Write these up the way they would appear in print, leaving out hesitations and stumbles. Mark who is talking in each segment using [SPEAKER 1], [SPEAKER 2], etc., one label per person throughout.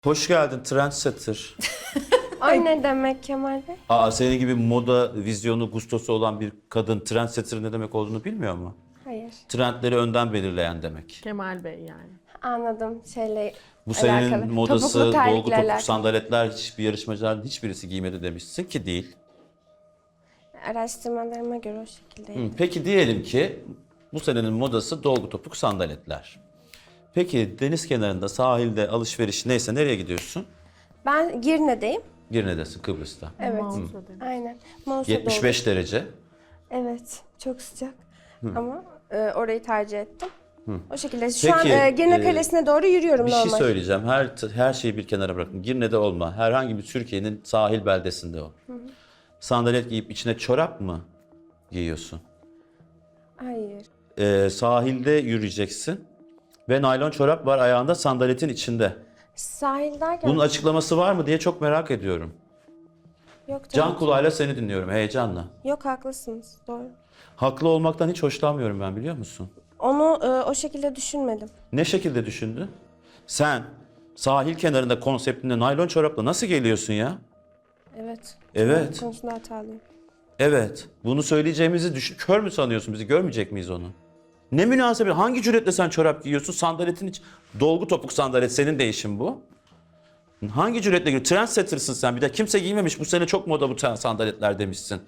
[SPEAKER 1] Hoş geldin trendsetter.
[SPEAKER 2] O ne demek Kemal Bey?
[SPEAKER 1] Senin gibi moda vizyonu, gustosu olan bir kadın trendsetter ne demek olduğunu bilmiyor mu?
[SPEAKER 2] Hayır.
[SPEAKER 1] Trendleri önden belirleyen demek.
[SPEAKER 3] Kemal Bey yani.
[SPEAKER 2] Anladım. Şeyle
[SPEAKER 1] Bu senenin
[SPEAKER 2] alakalı.
[SPEAKER 1] modası,
[SPEAKER 2] Topuklu terlikle
[SPEAKER 1] dolgu topuk
[SPEAKER 2] alakalı.
[SPEAKER 1] sandaletler hiçbir yarışmacıların hiçbirisi giymedi demişsin ki değil.
[SPEAKER 2] Araştırmalarıma göre o şekilde.
[SPEAKER 1] Peki diyelim ki bu senenin modası dolgu topuk sandaletler. Peki deniz kenarında, sahilde, alışveriş neyse nereye gidiyorsun?
[SPEAKER 2] Ben Girne'deyim.
[SPEAKER 1] Girne'desin, Kıbrıs'ta.
[SPEAKER 2] Evet.
[SPEAKER 3] Mağazada.
[SPEAKER 2] Aynen. Mouse'a
[SPEAKER 1] 75 derece.
[SPEAKER 2] Evet. Çok sıcak. Ama orayı tercih ettim. O şekilde. Şu
[SPEAKER 1] Peki,
[SPEAKER 2] an Girne Kalesi'ne doğru yürüyorum
[SPEAKER 1] Bir
[SPEAKER 2] normal.
[SPEAKER 1] şey söyleyeceğim. Her şeyi bir kenara bırakın. Girne'de olma. Herhangi bir Türkiye'nin sahil beldesinde ol. Sandalet giyip içine çorap mı giyiyorsun?
[SPEAKER 2] Hayır.
[SPEAKER 1] Sahilde yürüyeceksin ve naylon çorap var ayağında sandaletin içinde.
[SPEAKER 2] Sahil derken
[SPEAKER 1] Bunun açıklaması var mı diye çok merak ediyorum.
[SPEAKER 2] yok
[SPEAKER 1] Can
[SPEAKER 2] tabii ki.
[SPEAKER 1] kulağıyla seni dinliyorum heyecanla.
[SPEAKER 2] Yok haklısınız. Doğru.
[SPEAKER 1] Haklı olmaktan hiç hoşlanmıyorum ben, biliyor musun?
[SPEAKER 2] Onu o şekilde düşünmedim.
[SPEAKER 1] Ne şekilde düşündün? Sen sahil kenarında konseptinde naylon çorapla nasıl geliyorsun ya?
[SPEAKER 2] Evet.
[SPEAKER 1] Evet.
[SPEAKER 2] Bu konusunda hatalıyım.
[SPEAKER 1] Evet. Bunu söyleyeceğimizi düşün. Kör mü sanıyorsun bizi? Görmeyecek miyiz onu? Ne münasebet. Hangi cüretle sen çorap giyiyorsun? Sandaletin iç. Dolgu topuk sandalet. Senin değişim bu. Hangi cüretle giyiyorsun? Trendsetter'sın sen. Bir de kimse giymemiş. Bu sene çok moda bu sandaletler demişsin.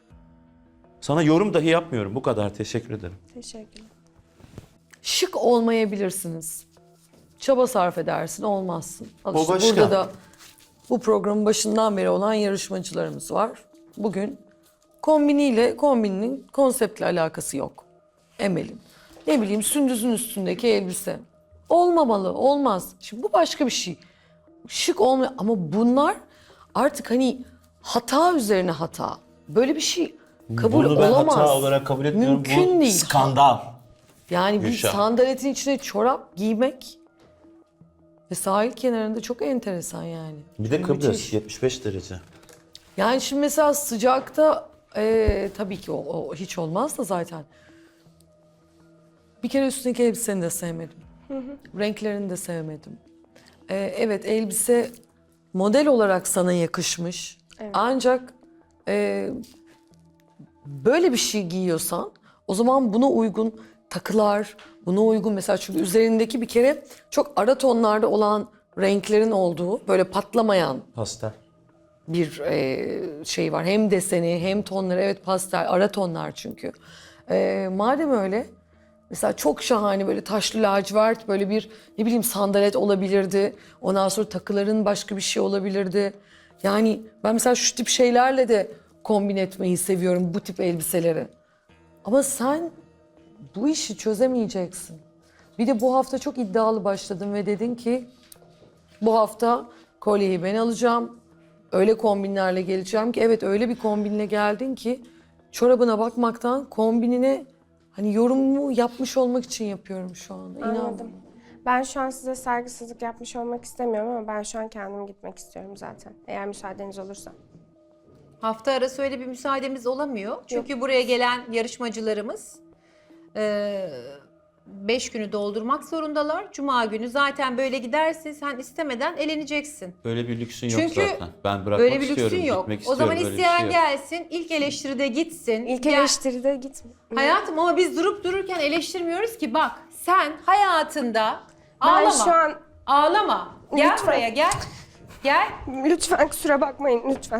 [SPEAKER 1] Sana yorum dahi yapmıyorum. Bu kadar. Teşekkür ederim.
[SPEAKER 2] Teşekkürler.
[SPEAKER 3] Şık olmayabilirsiniz. Çaba sarf edersin, olmazsın. Al
[SPEAKER 1] O
[SPEAKER 3] işte
[SPEAKER 1] başka.
[SPEAKER 3] burada da bu programın başından beri olan yarışmacılarımız var. Bugün kombinin konseptle alakası yok. Emel'in. Ne bileyim sündüzün üstündeki elbise. Olmamalı, olmaz. Şimdi bu başka bir şey. Şık olmuyor ama bunlar artık hani hata üzerine hata. Böyle bir şey kabul
[SPEAKER 1] Bunu ben
[SPEAKER 3] olamaz.
[SPEAKER 1] hata olarak kabul etmiyorum.
[SPEAKER 3] Mümkün
[SPEAKER 1] Bu
[SPEAKER 3] değil.
[SPEAKER 1] skandal.
[SPEAKER 3] Yani bir
[SPEAKER 1] Gülşah.
[SPEAKER 3] sandaletin içine çorap giymek ve sahil kenarında çok enteresan yani.
[SPEAKER 1] Bir de Kıbrıs.
[SPEAKER 3] Müthiş.
[SPEAKER 1] 75 derece.
[SPEAKER 3] Yani şimdi mesela sıcakta tabii ki o hiç olmaz da zaten. Bir kere üstündeki elbiseni de sevmedim. Renklerini de sevmedim. Evet elbise model olarak sana yakışmış.
[SPEAKER 2] Evet.
[SPEAKER 3] Ancak böyle bir şey giyiyorsan o zaman buna uygun takılar, buna uygun mesela çünkü üzerindeki bir kere çok ara tonlarda olan renklerin olduğu böyle patlamayan
[SPEAKER 1] Pastel.
[SPEAKER 3] bir şey var. Hem deseni hem tonları evet pastel ara tonlar çünkü. Madem öyle mesela çok şahane böyle taşlı lacivert böyle bir ne bileyim sandalet olabilirdi. Ondan sonra takıların başka bir şey olabilirdi. Yani ben mesela şu tip şeylerle de kombin etmeyi seviyorum bu tip elbiseleri. Ama sen bu işi çözemeyeceksin. Bir de bu hafta çok iddialı başladın ve dedin ki bu hafta kolyeyi ben alacağım. Öyle kombinlerle geleceğim ki evet öyle bir kombinle geldin ki çorabına bakmaktan kombinine hani yorumumu yapmış olmak için yapıyorum şu anda. İnan.
[SPEAKER 2] Anladım. Ben şu an size saygısızlık yapmış olmak istemiyorum ama ben şu an kendim gitmek istiyorum zaten. Eğer müsaadeniz olursa.
[SPEAKER 4] Hafta arası öyle bir müsaademiz olamıyor. Çünkü buraya gelen yarışmacılarımız 5 günü doldurmak zorundalar. Cuma günü zaten böyle giderse sen istemeden eleneceksin.
[SPEAKER 1] Öyle bir lüksün yok
[SPEAKER 4] Çünkü
[SPEAKER 1] zaten. Ben bırakmak
[SPEAKER 4] böyle bir
[SPEAKER 1] istiyorum.
[SPEAKER 4] lüksün yok.
[SPEAKER 1] Gitmek
[SPEAKER 4] O
[SPEAKER 1] istiyorum.
[SPEAKER 4] zaman
[SPEAKER 1] Öyle bir
[SPEAKER 4] isteyen
[SPEAKER 1] şey yok.
[SPEAKER 4] gelsin, ilk eleştiride gitsin.
[SPEAKER 2] İlk
[SPEAKER 4] Gel-
[SPEAKER 2] eleştiride gitme.
[SPEAKER 4] Hayatım ama biz durup dururken eleştirmiyoruz ki. Bak sen hayatında
[SPEAKER 2] Ben
[SPEAKER 4] ağlama.
[SPEAKER 2] şu an
[SPEAKER 4] Ağlama. Gel
[SPEAKER 2] Lütfen.
[SPEAKER 4] buraya gel. Gel.
[SPEAKER 2] lütfen kusura bakmayın lütfen.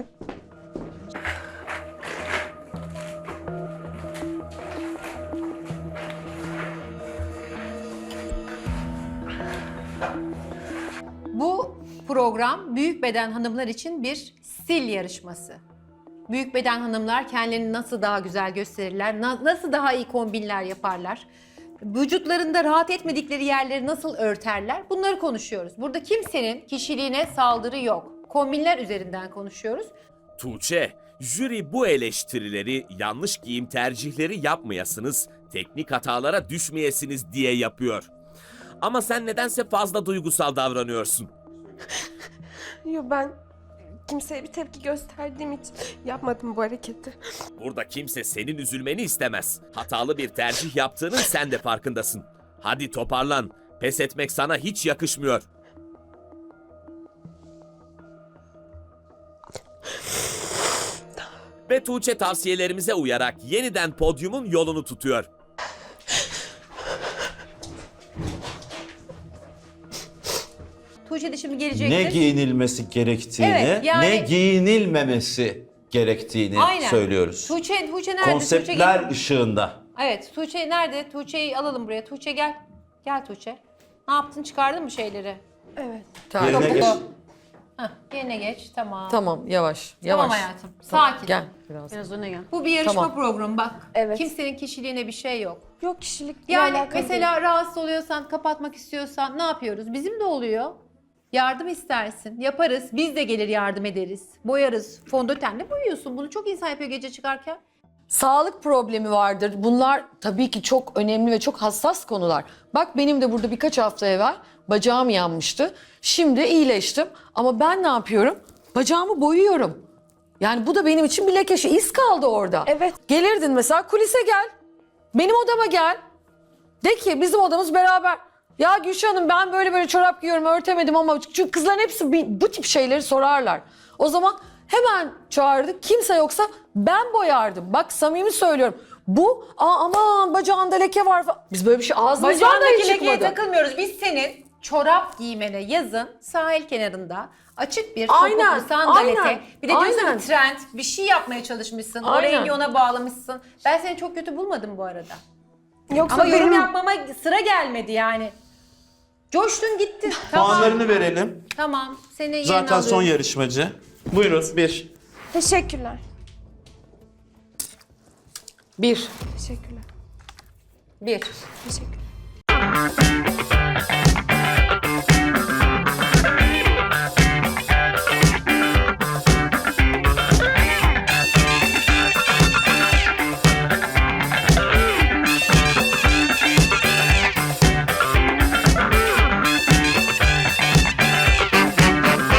[SPEAKER 4] Bu program büyük beden hanımlar için bir stil yarışması. Büyük beden hanımlar kendilerini nasıl daha güzel gösterirler, nasıl daha iyi kombinler yaparlar, vücutlarında rahat etmedikleri yerleri nasıl örterler, bunları konuşuyoruz. Burada kimsenin kişiliğine saldırı yok. Kombinler üzerinden konuşuyoruz.
[SPEAKER 5] Tuğçe, jüri bu eleştirileri yanlış giyim tercihleri yapmayasınız, teknik hatalara düşmeyesiniz diye yapıyor. Ama sen nedense fazla duygusal davranıyorsun.
[SPEAKER 2] Yo ben kimseye bir tepki gösterdiğim için yapmadım bu hareketi.
[SPEAKER 5] Burada kimse senin üzülmeni istemez. Hatalı bir tercih yaptığının sen de farkındasın. Hadi toparlan. Pes etmek sana hiç yakışmıyor. ve Tuğçe tavsiyelerimize uyarak yeniden podyumun yolunu tutuyor.
[SPEAKER 4] Tuğçe de şimdi gelecektir.
[SPEAKER 1] Ne giyinilmesi gerektiğini,
[SPEAKER 4] Evet, yani-
[SPEAKER 1] ne giyinilmemesi gerektiğini
[SPEAKER 4] Aynen.
[SPEAKER 1] söylüyoruz.
[SPEAKER 4] Tuğçe nerede?
[SPEAKER 1] Konseptler
[SPEAKER 4] Tuğçe
[SPEAKER 1] ışığında.
[SPEAKER 4] evet, Tuğçe nerede? Tuğçe'yi alalım buraya. Tuğçe gel. Gel Tuğçe. Ne yaptın? Çıkardın mı şeyleri?
[SPEAKER 2] Evet.
[SPEAKER 3] Tamam.
[SPEAKER 1] Yerine geç.
[SPEAKER 4] Hah, yerine geç. Tamam.
[SPEAKER 3] Tamam yavaş yavaş.
[SPEAKER 4] Tamam hayatım. Sakin.
[SPEAKER 3] Gel biraz.
[SPEAKER 6] Biraz öne gel.
[SPEAKER 4] Bu bir yarışma
[SPEAKER 3] Tamam.
[SPEAKER 4] programı bak.
[SPEAKER 2] Evet.
[SPEAKER 4] Kimsenin kişiliğine bir şey yok.
[SPEAKER 2] Yok kişilikle
[SPEAKER 4] Yani
[SPEAKER 2] alakalı
[SPEAKER 4] mesela rahatsız oluyorsan, kapatmak istiyorsan ne yapıyoruz? Bizim de oluyor. Yardım istersin. Yaparız. Biz de gelir yardım ederiz. Boyarız. Fondötenle boyuyorsun. Bunu çok insan yapıyor gece çıkarken.
[SPEAKER 3] Sağlık problemi vardır. Bunlar tabii ki çok önemli ve çok hassas konular. Bak benim de burada birkaç hafta evvel bacağım yanmıştı. Şimdi iyileştim ama ben ne yapıyorum? Bacağımı boyuyorum. Yani bu da benim için bir leke, iz kaldı orada.
[SPEAKER 2] Evet.
[SPEAKER 3] Gelirdin mesela kulise gel. Benim odama gel. De ki bizim odamız beraber. Ya Gülşah Hanım ben böyle çorap giyiyorum örtemedim ama çünkü kızların hepsi bu tip şeyleri sorarlar. O zaman hemen çağırdık. Kimse yoksa ben boyardım. Bak samimi söylüyorum. Bu aman bacağında leke var falan. Biz böyle bir şey ağzımızdan da
[SPEAKER 4] Bacağındaki
[SPEAKER 3] hiç
[SPEAKER 4] lekeye
[SPEAKER 3] çıkmadı.
[SPEAKER 4] takılmıyoruz. Biz senin çorap giymene yazın sahil kenarında açık bir topuklu
[SPEAKER 3] Aynen,
[SPEAKER 4] sandalete.
[SPEAKER 3] aynen,
[SPEAKER 4] Bir de diyorsun
[SPEAKER 3] aynen.
[SPEAKER 4] ki trend bir şey yapmaya çalışmışsın. O
[SPEAKER 3] Aynen.
[SPEAKER 4] rengi ona bağlamışsın. Ben seni çok kötü bulmadım bu arada.
[SPEAKER 2] Yoksa
[SPEAKER 4] Ama yorum
[SPEAKER 2] benim
[SPEAKER 4] yapmama sıra gelmedi yani. Coştun gittin. Tamam.
[SPEAKER 1] Puanlarını verelim.
[SPEAKER 4] Tamam. Seni yerine
[SPEAKER 1] Zaten son
[SPEAKER 4] alıyorum.
[SPEAKER 1] yarışmacı. Buyurun. 1.
[SPEAKER 2] teşekkürler.
[SPEAKER 3] 1.
[SPEAKER 2] Teşekkürler.
[SPEAKER 4] 1.
[SPEAKER 2] Teşekkürler.